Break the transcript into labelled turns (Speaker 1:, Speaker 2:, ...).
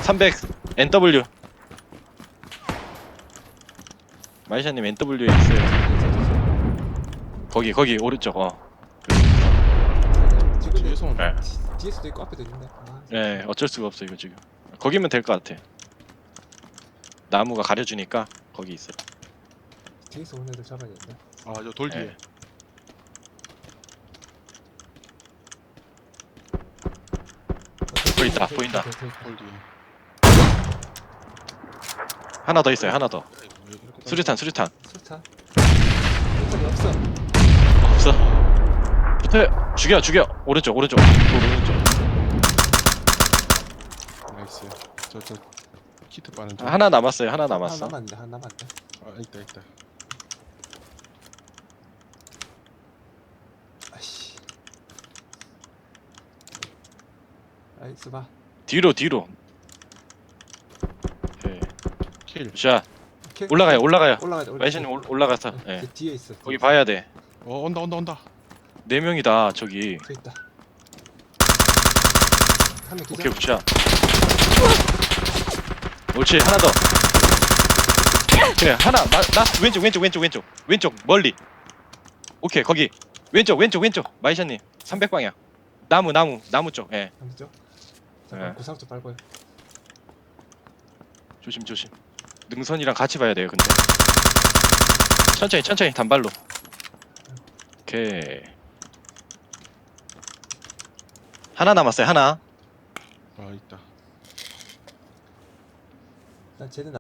Speaker 1: 300 NW. 마이샤님 NW에 있어요. 거기 오른쪽.
Speaker 2: 지금
Speaker 3: 뒤에서 오는
Speaker 1: 네.
Speaker 2: 뒤에서도 있고 앞에도 있네. 아,
Speaker 1: 네, 어쩔 수가 없어 이거 지금. 거기면 될 것 같아. 나무가 가려주니까 거기 있어요.
Speaker 2: 뒤에서 오는 애들 잡아야겠다.
Speaker 3: 아, 저 돌 뒤에.
Speaker 1: 네. 보인다, 보인다.
Speaker 3: 돌 뒤에.
Speaker 1: 하나 더 있어요. 하나 더.
Speaker 3: 야, 이거 왜 이렇게
Speaker 1: 수류탄.
Speaker 2: 수탄. 수탄이 없어.
Speaker 1: 없어. 붙어요. 죽여. 오른쪽. 오른쪽.
Speaker 3: 나이스. 저 키트 빠는 중.
Speaker 1: 하나 남았어요. 하나 남았어.
Speaker 2: 하나 남았네.
Speaker 3: 아, 있다.
Speaker 2: 아이씨. 나이스 봐.
Speaker 1: 뒤로. 오케이.
Speaker 3: 킬.
Speaker 1: 자,
Speaker 2: 오케이.
Speaker 1: 올라가요.
Speaker 2: 올라가야 돼.
Speaker 1: 마이샤님 올라가서. 예.
Speaker 2: 그 뒤에 있어.
Speaker 1: 거기 봐야 돼.
Speaker 3: 온다.
Speaker 1: 4명이다. 저기.
Speaker 2: 저 있다. 한명 기절.
Speaker 1: 오케이, 굿샷. 옳지. 하나 더. 그래. 하나. 나 왼쪽. 멀리. 오케이. 거기. 왼쪽. 마이샤님. 300방향. 나무 쪽. 예.
Speaker 2: 한쪽. 잠깐
Speaker 1: 네.
Speaker 2: 구상 좀 밟아요.
Speaker 1: 조심. 능선이랑 같이 봐야 돼요. 근데 천천히 단발로. 오케이. 하나 남았어요. 하나.
Speaker 3: 아, 있다.
Speaker 2: 난 쟤는